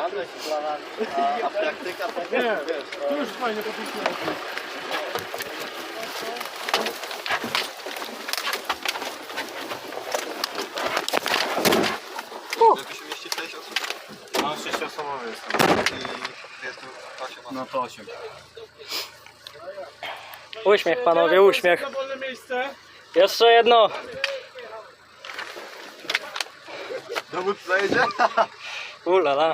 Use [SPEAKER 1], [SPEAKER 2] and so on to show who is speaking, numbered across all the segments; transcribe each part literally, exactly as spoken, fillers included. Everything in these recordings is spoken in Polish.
[SPEAKER 1] Żadne plana, a, a praktyka to
[SPEAKER 2] Nie,
[SPEAKER 1] wiesz,
[SPEAKER 2] tu już fajnie popisane.
[SPEAKER 3] Jak tu się mieści sześć osób?
[SPEAKER 2] No, sześciosobowy jestem.
[SPEAKER 3] I jest tu osiem osób.
[SPEAKER 2] No to osiem.
[SPEAKER 4] Uśmiech panowie, uśmiech.
[SPEAKER 2] Na wolne miejsce.
[SPEAKER 4] Jeszcze jedno.
[SPEAKER 3] Dowódca zajedzie?
[SPEAKER 4] Ulala.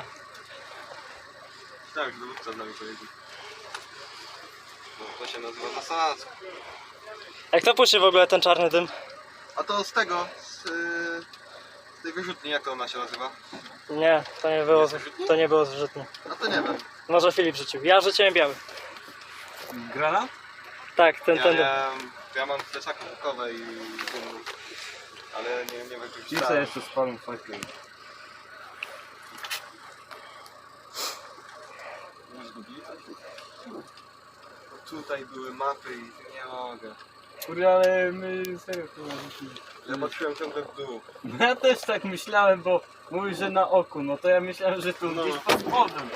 [SPEAKER 3] Tak, dowódca z nami pojedzie. No, to się nazywa zasadzka.
[SPEAKER 4] Jak to puszy w ogóle ten czarny dym?
[SPEAKER 3] A to z tego, z, yy, z tej wyrzutni, jak to ona się nazywa?
[SPEAKER 4] Nie, to nie było, to nie było zrzutnie.
[SPEAKER 3] No to nie wiem.
[SPEAKER 4] Może Filip rzucił. Ja rzuciłem biały.
[SPEAKER 2] Granat?
[SPEAKER 4] Tak, ten,
[SPEAKER 3] Ja,
[SPEAKER 4] ten.
[SPEAKER 3] ja, ja mam plecaki bukowe i dymu, ale nie, nie wykorzystałem.
[SPEAKER 2] jeszcze spalą fajkę.
[SPEAKER 3] Tutaj były mapy i nie mogę.
[SPEAKER 2] Kurde, ale my serio to rzucili.
[SPEAKER 3] Ja patrzyłem ciągle w dół.
[SPEAKER 2] No ja też tak myślałem, bo mówisz, że na oku, no to ja myślałem, że tu
[SPEAKER 3] No.
[SPEAKER 2] gdzieś pod spodem.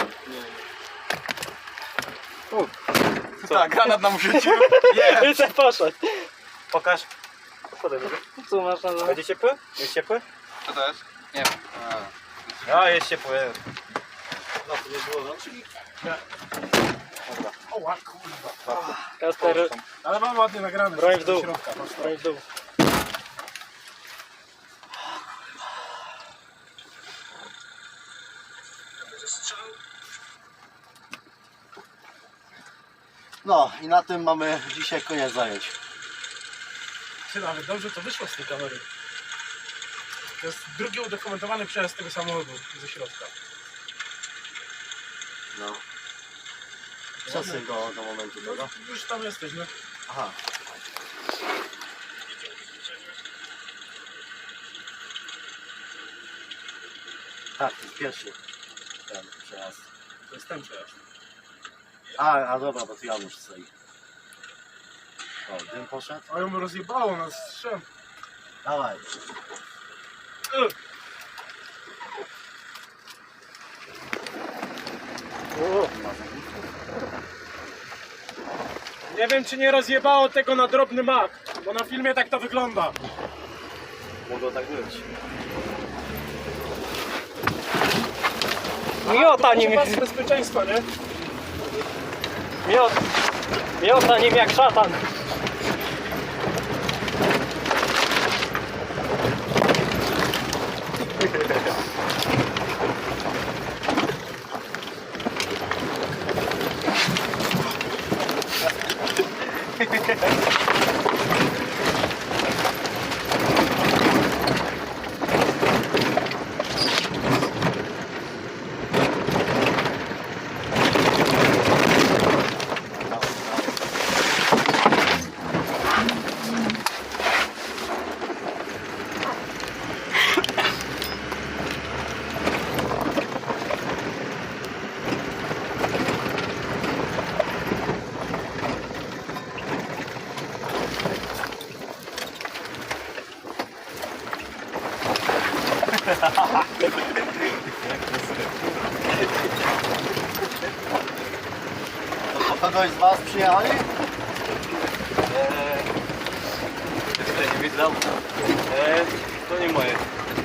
[SPEAKER 3] Co? Tak, granat nam rzucił.
[SPEAKER 4] I co poszedł.
[SPEAKER 2] Pokaż.
[SPEAKER 4] Co masz na dole?
[SPEAKER 2] Będzie ciepły? Jest ciepły?
[SPEAKER 3] Co to jest?
[SPEAKER 1] Nie wiem.
[SPEAKER 3] A,
[SPEAKER 2] A, jest ciepły.
[SPEAKER 3] no to nie było, no czyli...
[SPEAKER 2] Oła, kurwa.
[SPEAKER 4] Kasper,
[SPEAKER 2] Ale mam ładnie nagrane.
[SPEAKER 4] broń w dół.
[SPEAKER 2] Do środka, patrz to.
[SPEAKER 4] Broń w dół.
[SPEAKER 1] No i na tym mamy dzisiaj koniec zajęć.
[SPEAKER 2] Ty, nawet dobrze to wyszło z tej kamery. To jest drugi udokumentowany przejazd tego samochodu ze środka.
[SPEAKER 1] No. Przesył do, do momentu
[SPEAKER 2] No,
[SPEAKER 1] tego.
[SPEAKER 2] już tam jesteś, no.
[SPEAKER 1] Aha. Tak, to jest pierwszy ten przejazd.
[SPEAKER 2] To jest ten przejazd.
[SPEAKER 1] A, a dobra, bo tu Janusz stoi. O, dym poszedł?
[SPEAKER 2] A ją rozjebało nas strzem.
[SPEAKER 1] Dawaj.
[SPEAKER 2] Nie wiem, czy nie rozjebało tego na drobny mak, bo na filmie tak to wygląda.
[SPEAKER 1] Mogło tak być.
[SPEAKER 4] Miota nim,
[SPEAKER 2] Pas bezpieczeństwa, nie?
[SPEAKER 4] miot, miota nim jak szatan.
[SPEAKER 1] To po kogoś z was przyjechali?
[SPEAKER 3] Jeszcze nie widzę.
[SPEAKER 2] Eee, to nie moje.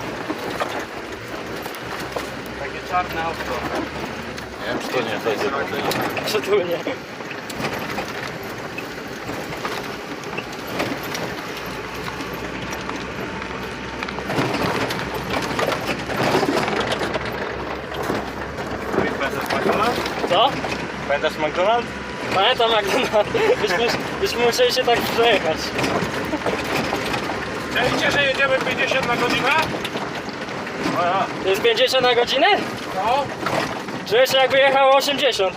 [SPEAKER 2] Takie czarne auto.
[SPEAKER 3] Nie wiem, czy to nie, to jest
[SPEAKER 4] Przytulnie. Co?
[SPEAKER 2] Pamiętasz McDonald's?
[SPEAKER 4] Pamiętam jak byśmy, byśmy musieli się tak przejechać.
[SPEAKER 2] Czajcie, że jedziemy pięćdziesiąt na godzinę? O ja.
[SPEAKER 4] To jest pięćdziesiąt na godzinę?
[SPEAKER 2] No.
[SPEAKER 4] Czuję się jakby jechało osiemdziesiąt.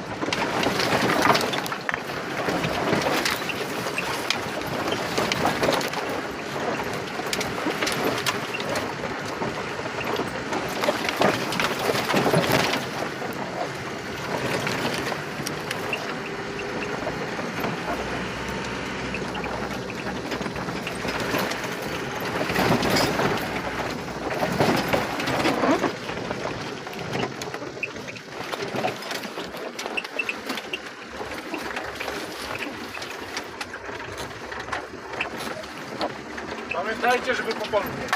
[SPEAKER 2] Uważajcie, żeby po polu nie.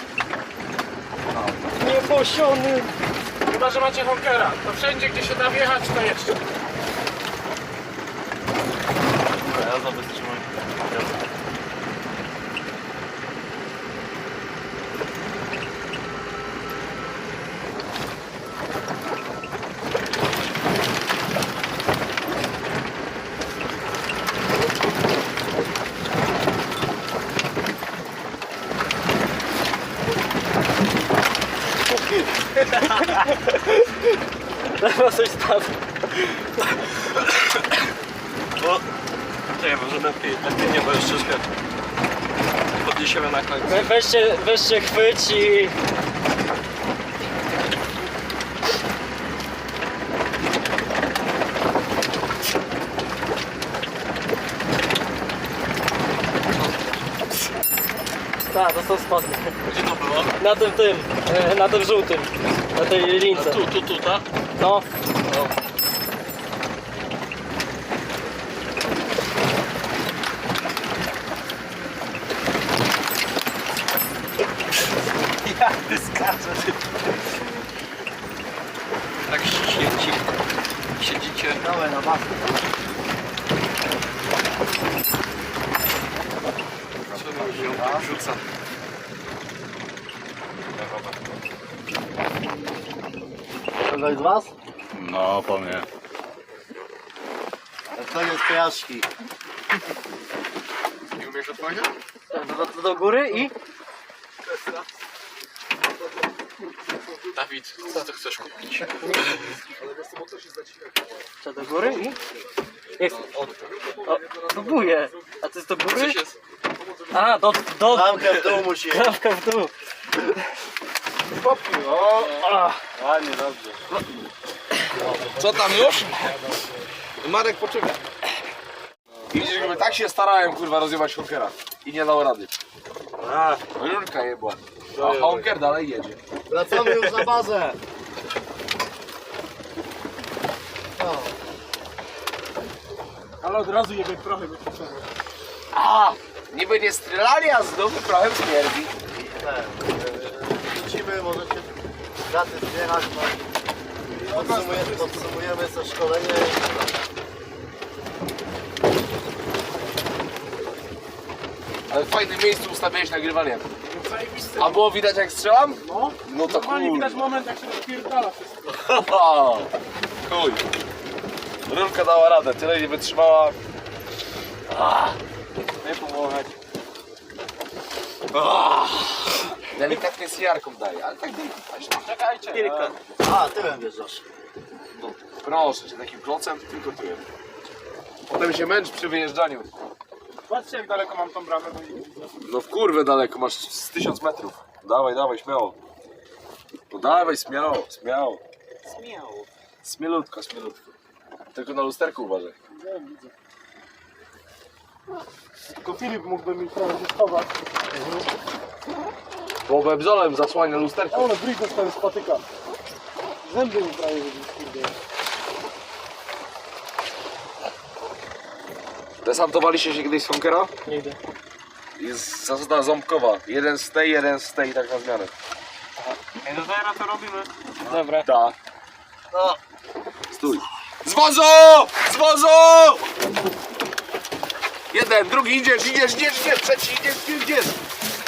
[SPEAKER 4] Nieposiony.
[SPEAKER 2] Chyba, że macie honkera. To wszędzie, gdzie się da wjechać, to jeszcze.
[SPEAKER 1] Ja zabeztrzymam.
[SPEAKER 4] Chyba coś spadło.
[SPEAKER 1] Bo... Czekaj, może lepiej, lepiej nie, bo już troszkę podniesiemy na końcu.
[SPEAKER 4] We, weźcie, weźcie chwyć i... Tak, to są spodnie.
[SPEAKER 1] Gdzie to było?
[SPEAKER 4] Na tym tym, e, na tym żółtym, na tej lince.
[SPEAKER 1] Tu, tu, tu, tak?
[SPEAKER 4] No.
[SPEAKER 1] Jak ty skaczesz? Tak siedzi, siedzicie.
[SPEAKER 3] Dawaj na masę.
[SPEAKER 1] Co mi ją tak rzuca?
[SPEAKER 3] Kogoś z was?
[SPEAKER 1] No, po mnie.
[SPEAKER 3] To jest kojarzki.
[SPEAKER 1] Nie umiesz odpowiedzieć?
[SPEAKER 4] Do, do, do góry i...
[SPEAKER 1] Dawid, co ty chcesz kupić?
[SPEAKER 4] Co, do góry i... Jest. O, próbuję. A to jest do góry?
[SPEAKER 1] Coś jest.
[SPEAKER 4] A, do... do...
[SPEAKER 3] Klamkę w dół musi.
[SPEAKER 4] Krawka w dół.
[SPEAKER 2] Popnij, o!
[SPEAKER 3] Ładnie, dobrze.
[SPEAKER 5] Co tam już? Marek poczeka. I widzisz, jakby tak się starałem, kurwa, rozjebać honkera. I nie dał rady.
[SPEAKER 3] A,
[SPEAKER 5] Rurka jebła. A honker dalej jedzie.
[SPEAKER 3] wracamy już na bazę. O,
[SPEAKER 2] Ale od razu jebie trochę by potrzeba.
[SPEAKER 5] A! Niby nie strzelali, a znowu prochem śmierdzi.
[SPEAKER 3] ten, e, wrócimy, możecie daty zbierać, no, podsumujemy, podsumujemy to szkolenie.
[SPEAKER 5] Ale w fajnym miejscu ustawiałeś nagrywanie.
[SPEAKER 2] No zajebisty.
[SPEAKER 5] A było widać jak strzelam?
[SPEAKER 2] No,
[SPEAKER 5] No to
[SPEAKER 2] normalnie widać
[SPEAKER 5] kurwa.
[SPEAKER 2] moment, jak się rozpierdala wszystko.
[SPEAKER 5] Chuj. Rurka dała radę, tyle nie wytrzymała.
[SPEAKER 3] Nie pomogać.
[SPEAKER 5] Delikatnie z jarką daje, ale tak delikatnie.
[SPEAKER 2] Czekajcie.
[SPEAKER 3] A, tyłem wjeżdżasz.
[SPEAKER 5] Proszę cię, takim klocem tylko tyłem. Potem się męcz przy wyjeżdżaniu.
[SPEAKER 2] Patrzcie, jak daleko mam tą bramę. Bo nie widzę.
[SPEAKER 5] No w kurwę daleko, masz z tysiąc metrów. Dawaj, dawaj, śmiało. No dawaj, śmiało, śmiało.
[SPEAKER 2] Śmiało.
[SPEAKER 5] Smielutko, smielutko. Tylko na lusterku uważaj.
[SPEAKER 2] Wiem, widzę. Tylko Filip mógłby mi trochę się schować.
[SPEAKER 5] Bo bebzolem zasłania lusterko.
[SPEAKER 2] Ale bryj dostałem z patyka. Zęby mi prawie wybiły.
[SPEAKER 5] Desantowaliście się kiedyś z Honkera?
[SPEAKER 4] Nigdy.
[SPEAKER 5] Jest zasada ząbkowa. Jeden z tej, jeden z tej, tak na zmianę.
[SPEAKER 2] Ej, no zaraz to robimy.
[SPEAKER 4] Dobra.
[SPEAKER 5] Tak.
[SPEAKER 3] No,
[SPEAKER 5] Stój. Z wozu! Z wozu! Jeden, drugi, idziesz, idziesz, idziesz, idziesz, trzeci, idziesz, idziesz.